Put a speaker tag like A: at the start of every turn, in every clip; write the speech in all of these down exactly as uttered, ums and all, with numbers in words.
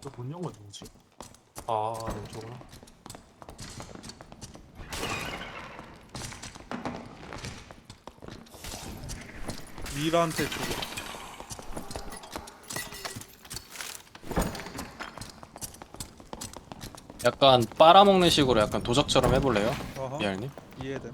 A: 문 연건 누구지? 아, 왼쪽으로.
B: 미라한테 주고.
C: 약간 빨아먹는 식으로 약간 도적처럼 해볼래요?
B: 어허.
C: 미알님?
B: 이해됨.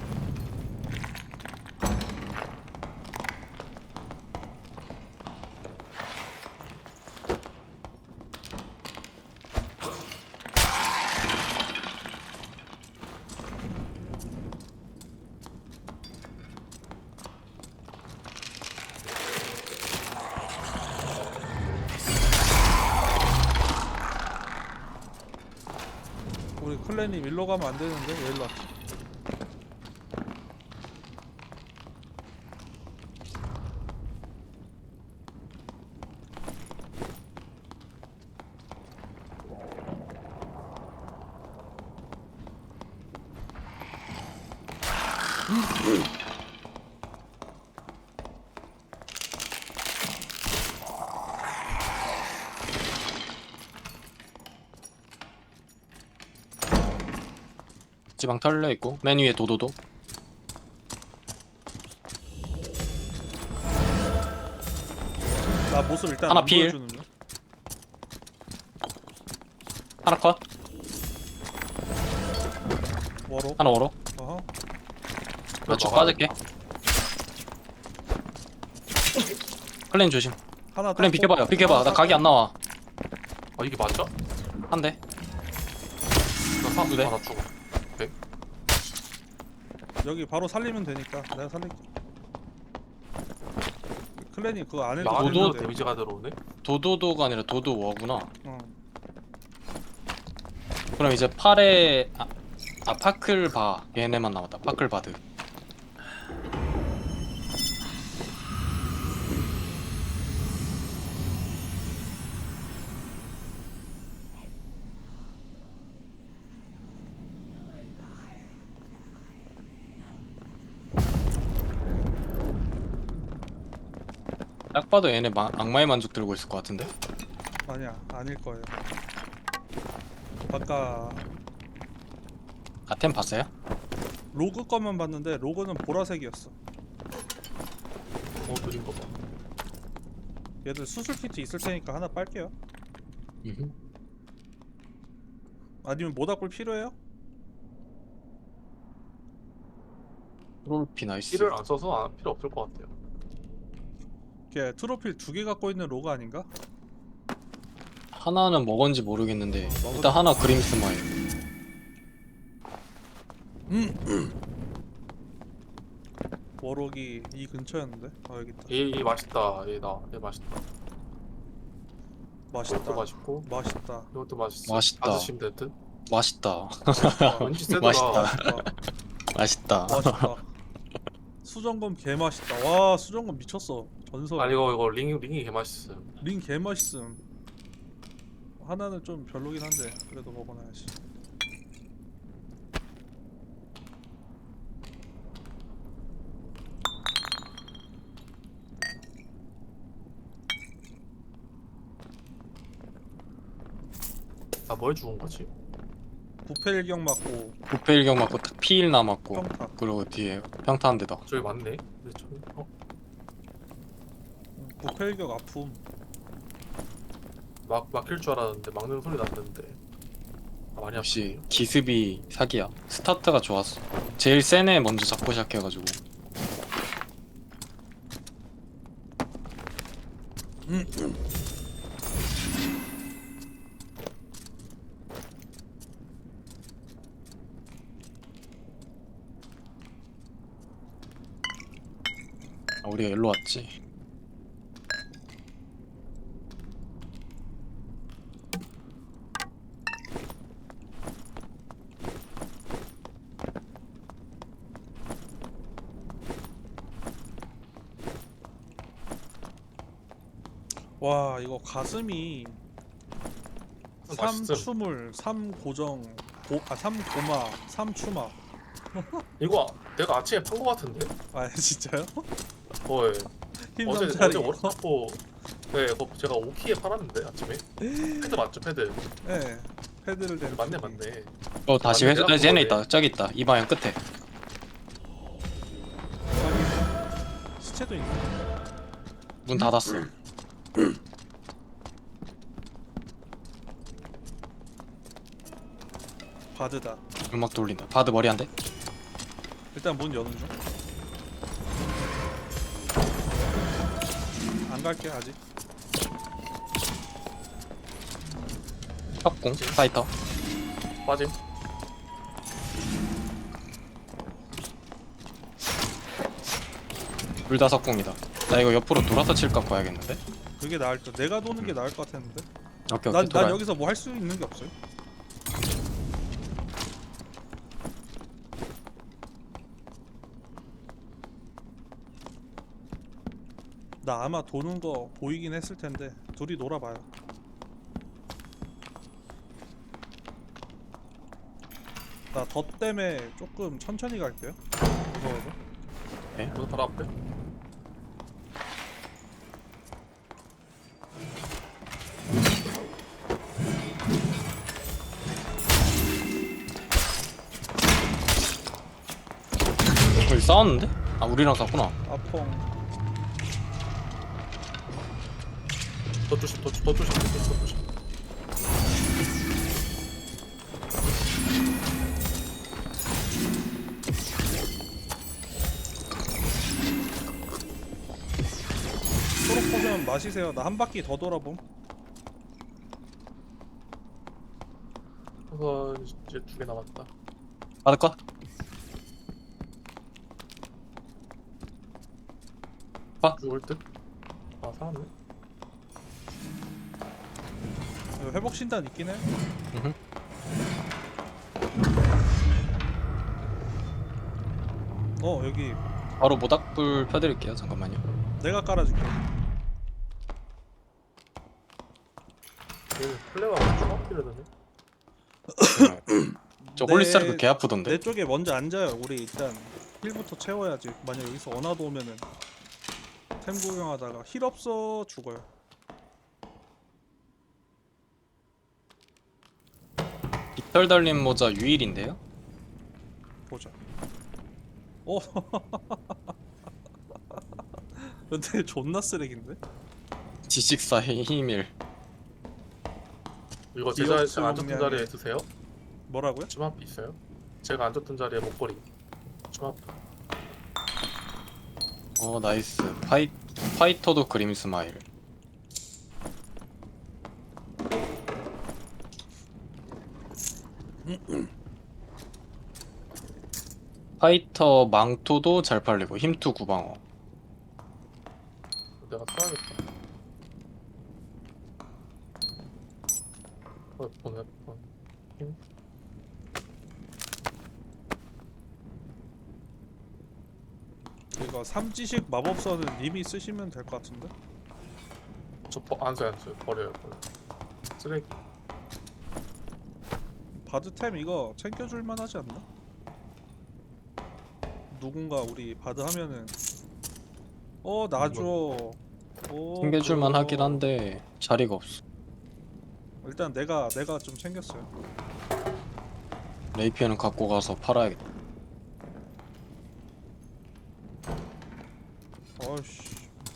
B: 우리 클랜이 일로 가면 안 되는데 왜 일로 왔지?
C: 지방 털려 있고 맨 위에 도도도.
B: 나 모습 일단
C: 하나
B: 안
C: 필.
B: 보여주는 중.
C: 하나 컷.
B: 워로.
C: 하나 오로.
B: 어허.
C: 나 쭉
A: 막아야
C: 빠질게. 클랜 조심.
B: 하나
C: 클랜
B: 땄고.
C: 비켜봐요. 비켜봐.
B: 하나
C: 나 각이 안 나와.
A: 아, 이게 맞아?
C: 한 대.
A: 나 사람
C: 두 대.
A: 하나 죽어.
B: 여기 바로 살리면 되니까 내가 살릴게. 클랜이 그거 안 해도
A: 나 안에도
C: 도도-
B: 되는데.
A: 데미지가 들어오네?
C: 도도도가 아니라 도도워구나.
B: 어.
C: 그럼 이제 팔에 아, 아 파클바 얘네만 남았다. 파클바드. 딱 봐도 얘네 마, 악마의 만족 들고 있을 것 같은데?
B: 아니야 아닐 거예요. 아까
C: 아템 봤어요?
B: 로그 것만 봤는데 로그는 보라색이었어.
A: 어, 느린 거 봐.
B: 얘들 수술 키트 있을 테니까 하나 빨게요.
C: 음흠.
B: 아니면 모닥불 필요해요?
C: 트롤피 나이스.
A: 힐을 안 써서 안, 필요 없을 것 같아요.
B: 걔 트로필 두 개 갖고 있는 로그 아닌가?
C: 하나는 뭐건지 모르겠는데
B: 어, 먹어도-
C: 일단 하나 그림스마일.
B: 워록이 이 근처였는데. 아 여기 있다.
A: 얘, 얘 맛있다. 얘 나, 얘 맛있다.
B: 맛있다.
A: 이것도 맛있고,
B: 맛있다.
A: 이것도 맛있어.
C: 맛있다.
A: 받으시면 될 듯?
C: 맛있다.
B: 맛있다.
A: 왠지 세더라.
C: 맛있다.
B: 맛있다.
C: 맛있다.
B: 맛있다. 수정검 개 맛있다. 와 수정검 미쳤어. 전설.
A: 아니, 이거, 이거 링, 링이 개 맛있어요.
B: 링 개 맛있음. 하나는 좀 별로긴 한데 그래도 먹어놔야지.
A: 나 뭘 죽은 거지?
B: 부패일격 맞고
C: 부패일경 맞고 탁 피일 남았고
B: 평타.
C: 그리고 뒤에 평타 한 대다.
A: 저기 맞네? 근데 저, 어?
B: 부패일격 아픔.
A: 막, 막힐 줄 알았는데 막는 소리 났는데. 아, 많이
C: 역시
A: 아프네.
C: 기습이 사기야. 스타트가 좋았어. 제일 센 애 먼저 잡고 시작해가지고. 아, 우리가 일로 왔지.
B: 와 이거 가슴이
A: 맛있음.
B: 삼추물, 삼고정, 고, 아 삼고마, 삼추마.
A: 이거 내가 아침에 판 거 같은데?
B: 아 진짜요?
A: 어이.
B: 힘
A: 어제,
B: 삼자리.
A: 어제 워터타포 네, 이거 제가 오키에 팔았는데 아침에. 패드 맞죠, 패드?
B: 예. 패드를 댄.
A: 맞네,
B: 쪽이.
A: 맞네.
C: 어 다시
A: 맞네,
C: 회수.
A: 내가
C: 아, 쟤네
A: 그거네.
C: 있다. 저기 있다. 이 방향 끝에.
B: 여기 시체도 있네.
C: 문 닫았어.
B: 바드다.
C: 음악 돌린다. 바드 머리 한 대.
B: 일단 문 여는 중. 안 갈게 아직.
C: 협공 파이터.
A: 빠짐.
C: 둘 다 석공이다. 나 이거 옆으로 돌아서 칠까 봐야겠는데.
B: 그게 나을 듯. 내가 도는 게 나을 것 같았는데.
C: 오케이 오케이.
B: 난, 난
C: 돌아요.
B: 여기서 뭐 할 수 있는 게 없어요. 나 아마 도는 거 보이긴 했을 텐데 둘이 놀아봐요. 나 덧 때문에 조금 천천히 갈게요. 무서워서.
A: 문 바로 앞에.
C: 여기 싸웠는데? 아 우리랑 싸웠구나.
B: 아펑.
A: 더 조심, 더, 더 조심, 더 조심, 더 조심.
B: 초록 포션 마시세요. 나 한 바퀴 더 돌아봄.
A: 그래서 이제 두 개 남았다.
C: 바드 컷.
A: 죽을 듯? 아, 살았네.
B: 이거 회복 신단 있긴 해.
C: 음흠.
B: 어 여기
C: 바로 모닥불 펴드릴게요. 잠깐만요.
B: 내가 깔아줄게.
A: 얘는 플레이가 중학기를 되네.
C: 저
B: 내-
C: 홀리스타르크 개 아프던데.
B: 내 쪽에 먼저 앉아요. 우리 일단 힐부터 채워야지. 만약 여기서 어나도 오면은 템 구경하다가 힐 없어 죽어요.
C: 깃털 달린 모자 유일인데요.
B: 보자. 어. 근데 존나 쓰레기인데?
C: 지식사의 힘일.
A: 이거 제가
B: 기억수
A: 제가 앉았던
B: 용량이-
A: 자리에 드세요?
B: 뭐라고요?
A: 침 앞에 있어요? 제가 앉았던 자리에 목걸이. 침 앞에.
C: 어 나이스. 파이 파이터도 그림 스마일. 파이터 망토도 잘 팔리고 힘투 구방어.
A: 내가 써야겠다. 어, 보내. 어. 힘?
B: 이거 삼지식 마법서는 님이 쓰시면 될 것 같은데?
A: 저안 써요, 안 써요. 버려요, 버려. 쓰레기.
B: 바드템 이거 챙겨줄만 하지 않나? 누군가 우리 바드 하면은 어 나줘. 오,
C: 챙겨줄만
B: 그거.
C: 하긴 한데 자리가 없어.
B: 일단 내가 내가 좀 챙겼어요.
C: 레이피어는 갖고 가서 팔아야겠다.
B: 아이씨.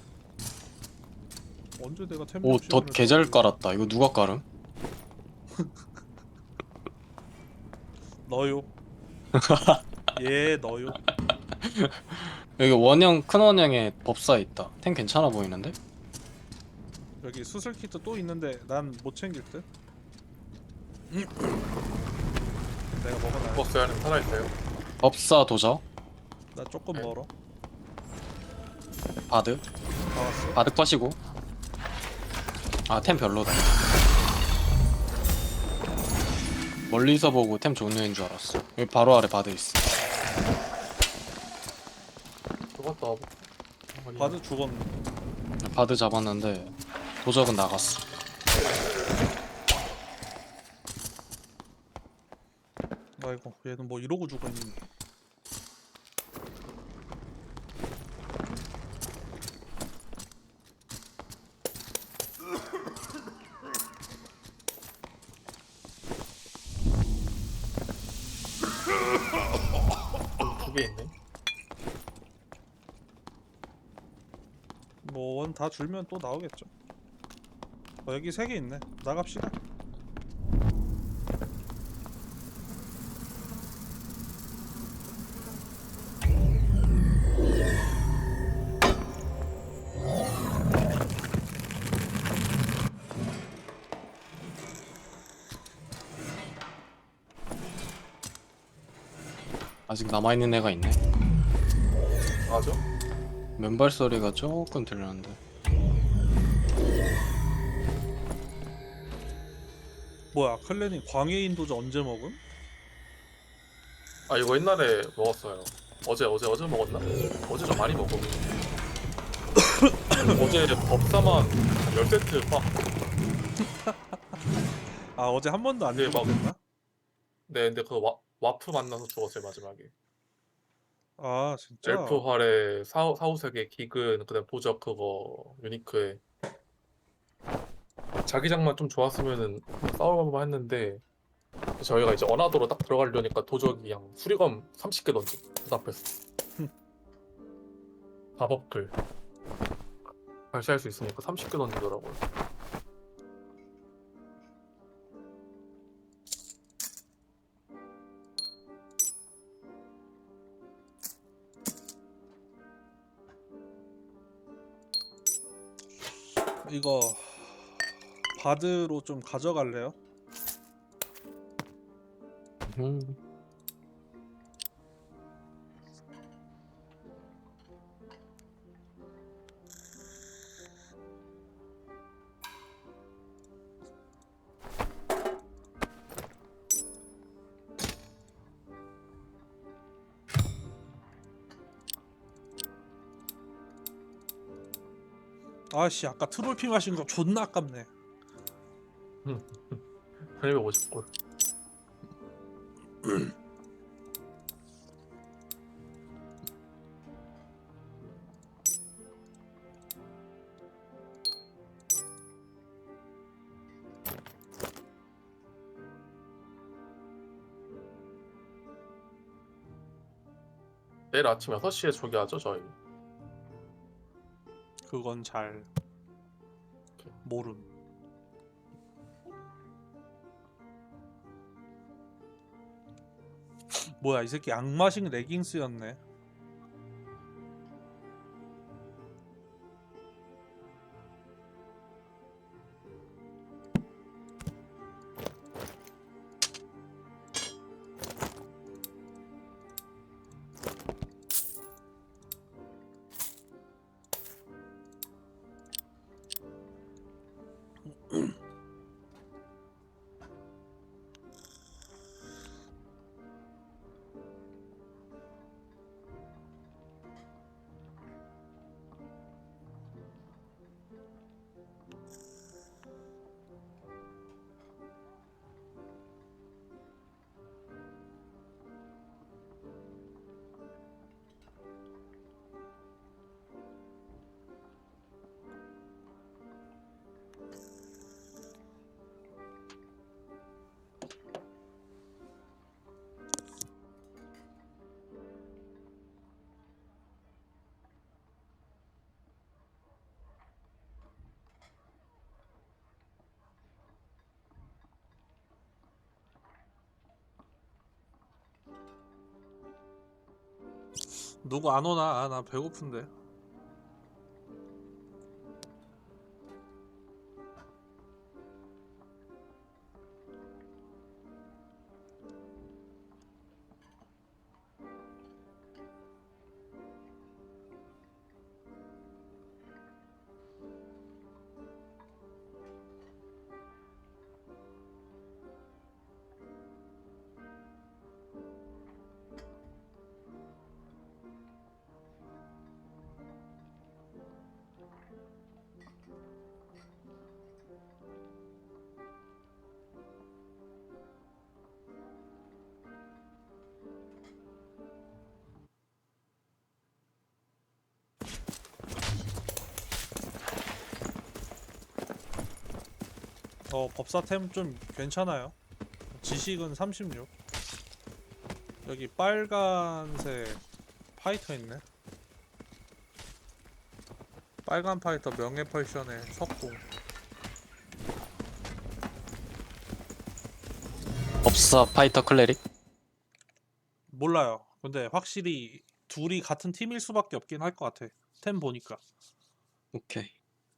B: 언제 내가 템
C: 오,
B: 욕심을
C: 덧 개잘
B: 냈지?
C: 깔았다. 이거 누가 깔음?
B: 너요. 예 너요.
C: 여기 원형 큰 원형에 법사 있다. 템 괜찮아 보이는데?
B: 여기 수술 키트 또 있는데 난 못 챙길 듯. 내가 먹어놔.
A: 버스 안에 살아있어요.
C: 법사 도저
B: 나 조금
A: 네.
B: 멀어.
C: 바드
B: 다 왔어.
C: 바드 컷이고. 아 템 별로다. 멀리서 보고 템 좋은 애인 줄 알았어. 여기 바로 아래 바드 있어.
A: 저것도 와보.
B: 바드 죽었네.
C: 바드 잡았는데 도적은 나갔어.
B: 아이고 얘는 뭐 이러고 죽었니? 다 줄면 또 나오겠죠. 어, 여기 세 개 있네. 나갑시다.
C: 아직 남아있는 애가 있네.
A: 맞아?
C: 맨발 소리가 조금 들렸는데.
B: 뭐야, 클랜이 광해인 도저 언제 먹음?
A: 아 이거 옛날에 먹었어요. 어제 어제 어제 먹었나? 어제 좀 많이 먹어. 어제 법사만 한 열 세트 막.
B: 아, 어제 한 번도 안
A: 네, 막-
B: 죽었나?
A: 네, 근데 그 와, 와프 만나서 죽었어요 마지막에.
B: 아, 진짜?
A: 엘프 활에 사후 사후세계 기근 그다음 보적 그거 유니크에 자기장만 좀 좋았으면은 싸울만 했는데 저희가 이제 어나더로 딱 들어가려니까 도적이 그냥 수리검 삼십 개 던져 그 앞에서 마법글 발사할 수 있으니까 삼십 개 던지더라고요.
B: 이거 바드로 좀 가져갈래요?
C: 음.
B: 아씨, 아까 트롤피 마신 거 존나 아깝네.
A: 삼백오십 골. 내일 아침 여섯 시에 조기하죠 저희.
B: 그건 잘 모름. 뭐야, 이 새끼 악마식 레깅스였네. 누구 안 오나? 아, 나 배고픈데. 어, 법사템 좀 괜찮아요. 지식은 삼십육. 여기 빨간색 파이터 있네. 빨간 파이터 명예 펄션의 석공.
C: 법사 파이터 클레릭.
B: 몰라요. 근데 확실히 둘이 같은 팀일 수밖에 없긴 할 것 같아. 템 보니까.
C: 오케이.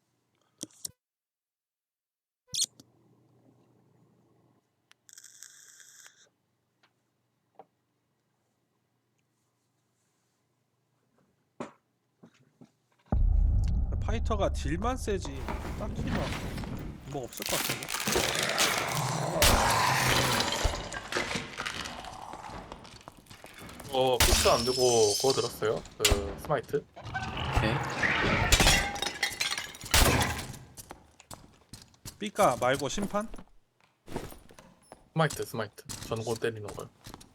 B: 파이터가 딜만 세지 딱히 막뭐 없을 것 같은데.
A: 어 피스 안 들고 그거 들었어요? 그 스마이트?
C: 오케이.
B: 삐까 말고 심판?
A: 스마이트 스마이트 전고 때리는 거요.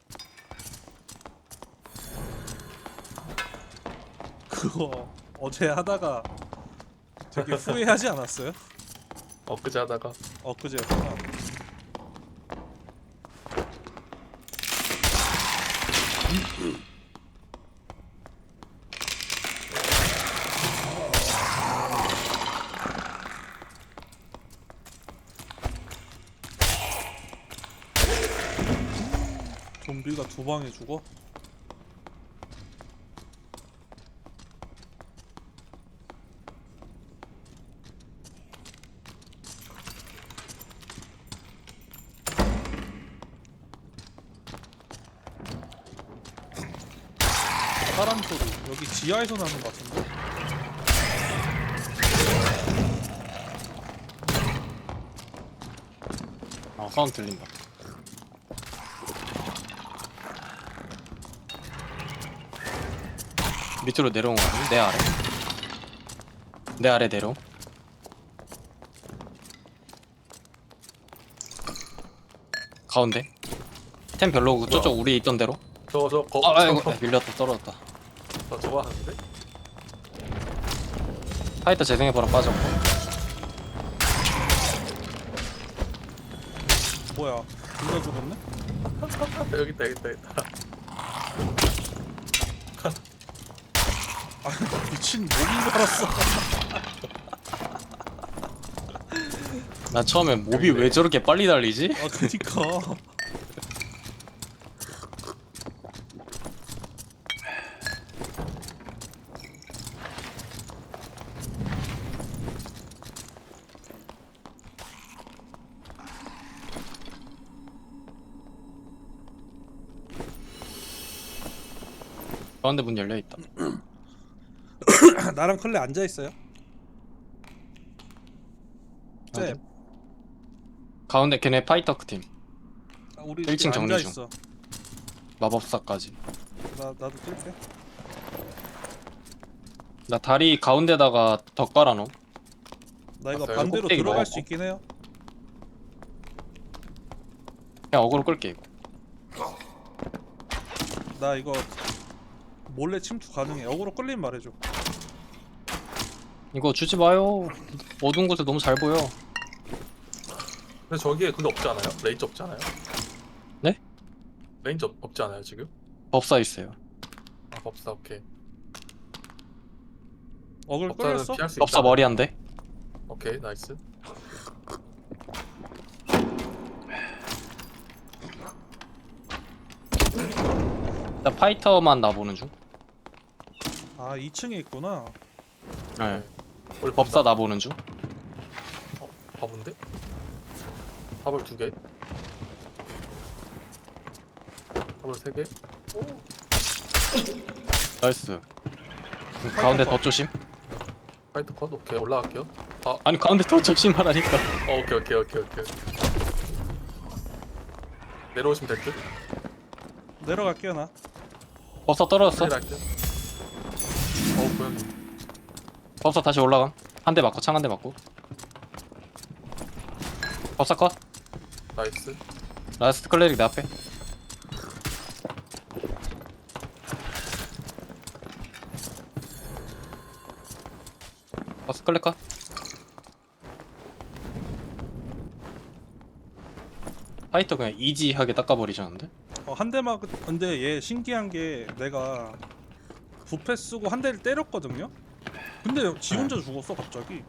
B: 그거 어제 하다가 되게 후회하지 않았어요?
A: 엊그제 하다가
B: 엊그제였구나. 좀비가 두 방에 죽어? 사람 소리 여기 지하에서 나는 것 같은데?
C: 아 사운드 들린다. 밑으로 내려온 거 같은데? 내 아래. 내 아래 내려. 가운데. 템 별로고 저쪽 우리 있던 대로.
A: 저저 거
C: 아 아이고
A: 저,
C: 밀렸다 떨어졌다.
A: 저 저거 하는데?
C: 파이터 재생해보라 빠졌고.
B: 뭐야 둘 다 죽었네?
A: 여기 있다 여기 있다 여기 있다.
B: 아 미친 목인 줄 알았어.
C: 나 처음에 몹이 왜 저렇게 빨리 달리지?
B: 아 그니까
C: 가운데 문 열려있다.
B: 나랑 클레 앉아있어요? 쌤
C: 어디? 가운데 걔네 파이터 팀.
B: 아, 우리
C: 일 층
B: 지금
C: 정리
B: 앉아있어.
C: 마법사까지.
B: 나, 나도 뛸게.
C: 나 다리 가운데다가 덧 깔아놓음.
B: 나 이거
A: 봤어요?
B: 반대로
C: 꼭대기
B: 들어갈
C: 먹어.
B: 수 있긴 해요.
C: 그냥 어그로 끌게 이거.
B: 나 이거 몰래 침투 가능해. 역으로 끌리면 말해줘.
C: 이거 주지 마요. 어두운 곳에 너무 잘 보여.
A: 근데 저기에 그게 없지 않아요? 레인지 없지 않아요?
C: 네?
A: 레인지 없, 없지 않아요 지금?
C: 법사 있어요.
A: 아 법사 오케이.
B: 어글
A: 법사는
B: 끌렸어?
A: 피할 수
C: 법사
A: 있잖아.
C: 머리 한 대.
A: 오케이 나이스.
C: 나 파이터만 나보는 중.
B: 아 이 층에 있구나.
C: 네.
A: 우리
C: 법사 나보는 중.
A: 어, 바본데? 밥을 두 개. 밥을 세 개.
C: 나이스. 가운데 더 조심.
A: 파이터 컷 오케이 올라갈게요. 아
C: 아니 가운데 더 조심하라니까.
A: 어, 오케이 오케이 오케이 오케이. 내려오시면 될 듯.
B: 내려갈게요 나.
C: 법사 떨어졌어.
A: 할 듯. 어 고양이.
C: 법사 다시 올라감. 한 대 맞고 창 한 대 맞고. 법사 컷.
A: 나이스.
C: 라스트 클레릭 내 앞에. 법사 클레 컷. 파이터 그냥 이지하게 닦아버리자는데?
B: 어, 한 대만 그- 근데 얘 신기한 게 내가 부패 쓰고 한 대를 때렸거든요. 근데 지 혼자 죽었어 갑자기.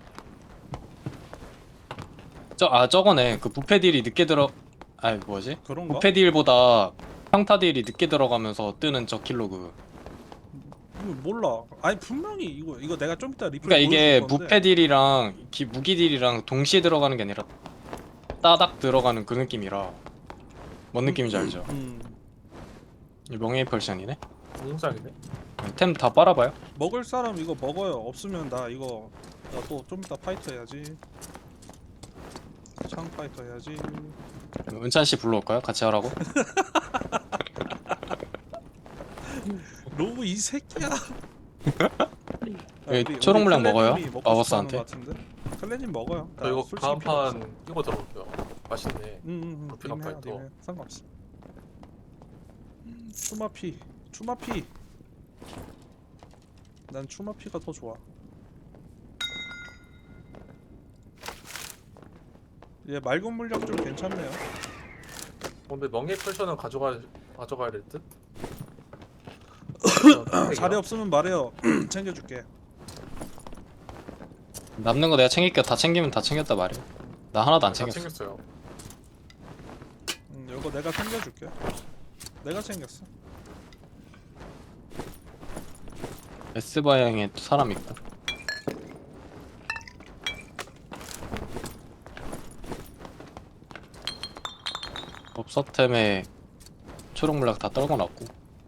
C: 저 아 저거네. 그 부패 딜이 늦게 들어. 아니 뭐지?
B: 그런가?
C: 부패 딜보다 평타 딜이 늦게 들어가면서 뜨는 저 킬로그.
B: 이거 몰라. 아니 분명히 이거 이거 내가 좀 이따 리플
C: 그러니까 이게
B: 보여줄 건데.
C: 부패 딜이랑 기, 무기 딜이랑 동시에 들어가는 게 아니라 따닥 들어가는 그 느낌이라. 뭔 느낌인지 알죠?
B: 음.
C: 이 명예의 펄션이네.
A: 공장이네.
C: 템 다 빨아봐요.
B: 먹을 사람 이거 먹어요. 없으면 나 이거 나 또 좀 이따 파이터 해야지. 창 파이터 해야지.
C: 은찬 씨 불러올까요? 같이 하라고?
B: 로브 이 새끼야. 아,
C: 여기 초록 물량 먹어요? 마법사한테?
B: 클레님 먹어요. 나
A: 저 이거
B: 솔직히
A: 다음
B: 필요 없어.
A: 판 이거 들어올게요. 맛있네.
B: 응응응.
A: 루피가
B: 님해
A: 파이터.
B: 님해 상관없어. 추마피 추마피. 난 추마피가 더 좋아. 얘 맑은 물약 좀 괜찮네요.
A: 어, 근데 명예 펄션은 가져가 가져가야 될 듯.
B: 자리 없으면 말해요. 챙겨줄게.
C: 남는 거 내가 챙길게. 다 챙기면 다 챙겼다 말이야. 나 하나도 안
A: 다
C: 챙겼어.
A: 챙겼어요.
B: 응, 이거 내가 챙겨줄게. 내가 챙겼어.
C: S 방향에 또 사람 있고. 법사템에 초록 물약 다 떨궈놨고.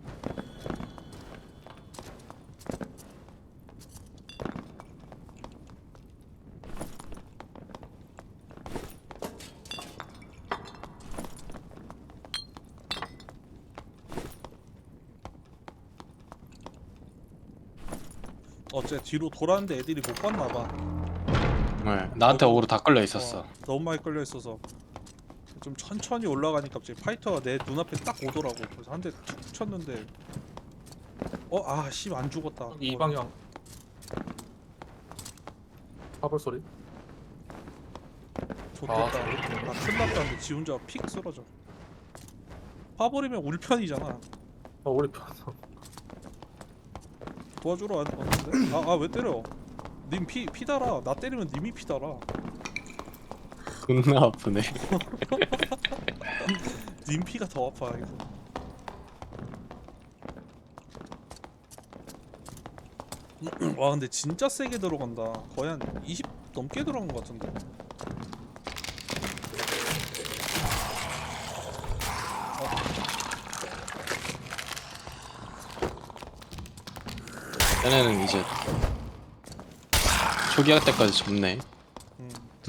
B: 어째 뒤로 돌았는데 애들이 못 봤나봐.
C: 네, 나한테 어그로 다 끌려 있었어.
B: 어, 너무 많이 끌려 있어서 좀 천천히 올라가니까 갑자기 파이터가 내 눈앞에 딱 오더라고. 그래서 한 대 툭 쳤는데 어아씨안 죽었다.
A: 이
B: 어,
A: 방향. 파벌 소리.
B: 좋겠다.
A: 아,
B: 나 큰일 났다는데 지 혼자 픽 쓰러져. 파버리면 울편이잖아.
A: 어 우리 편.
B: 도와주러 왔- 왔는데? 아 아 왜 때려? 님 피 피달아. 나 때리면 님이 피달아.
C: 존나 아프네.
B: 님 피가 더 아파 이거. 와 근데 진짜 세게 들어간다. 거의 한 이십 넘게 들어간 것 같은데.
C: 얘네는 이제 초기화 때까지 접네.
B: 음.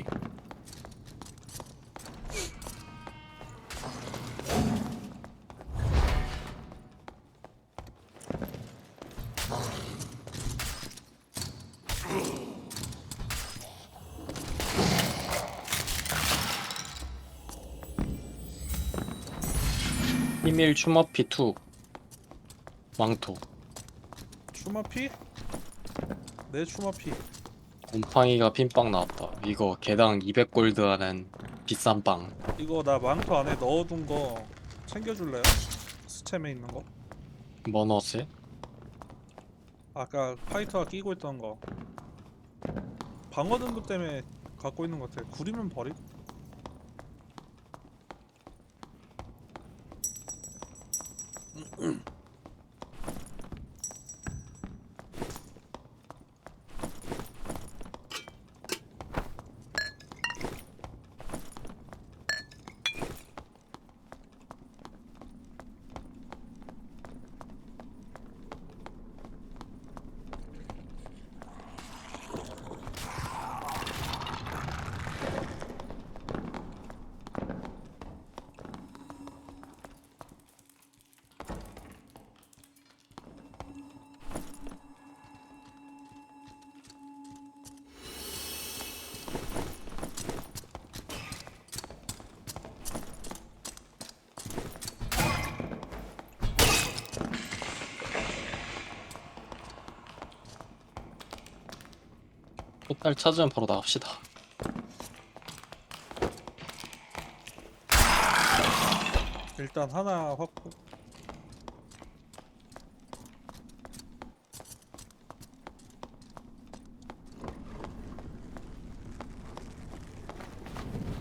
C: 히밀 추머피 투 왕토.
B: 추마피? 내 추마피.
C: 곰팡이가 핀빵 나왔다. 이거 개당 이백 골드 하는 비싼 빵.
B: 이거 나 망토 안에 넣어둔 거 챙겨줄래요? 스템에 있는 거?
C: 뭐 넣었지?
B: 아까 파이터가 끼고 있던 거. 방어 등급 때문에 갖고 있는 것 같아. 구리면 버리고.
C: 끝날 찾으면 바로 나갑시다.
B: 일단 하나 확보.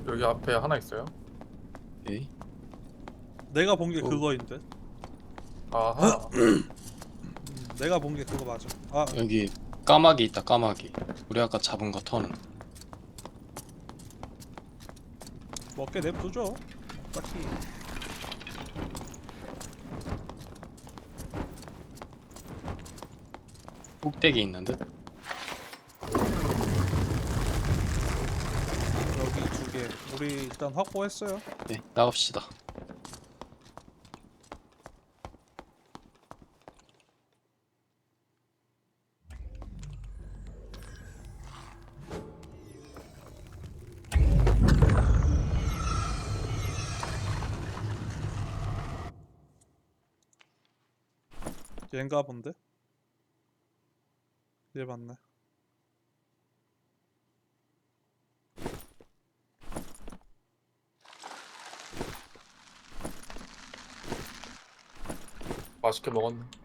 A: 여기 앞에 하나 있어요.
C: 에이?
B: 내가 본 게
C: 어.
B: 그거인데.
A: 아하.
B: 음, 내가 본 게 그거 맞아. 아
C: 여기 까마귀 있다 까마귀. 우리 아까 잡은 거 턴.
B: 먹게 냅두죠. 딱히.
C: 꼭대기 있는 듯?
B: 여기 두 개. 우리 일단 확보했어요.
C: 네 나갑시다.
B: 얘인가 본데? 얘 맞네.
A: 맛있게 먹었네.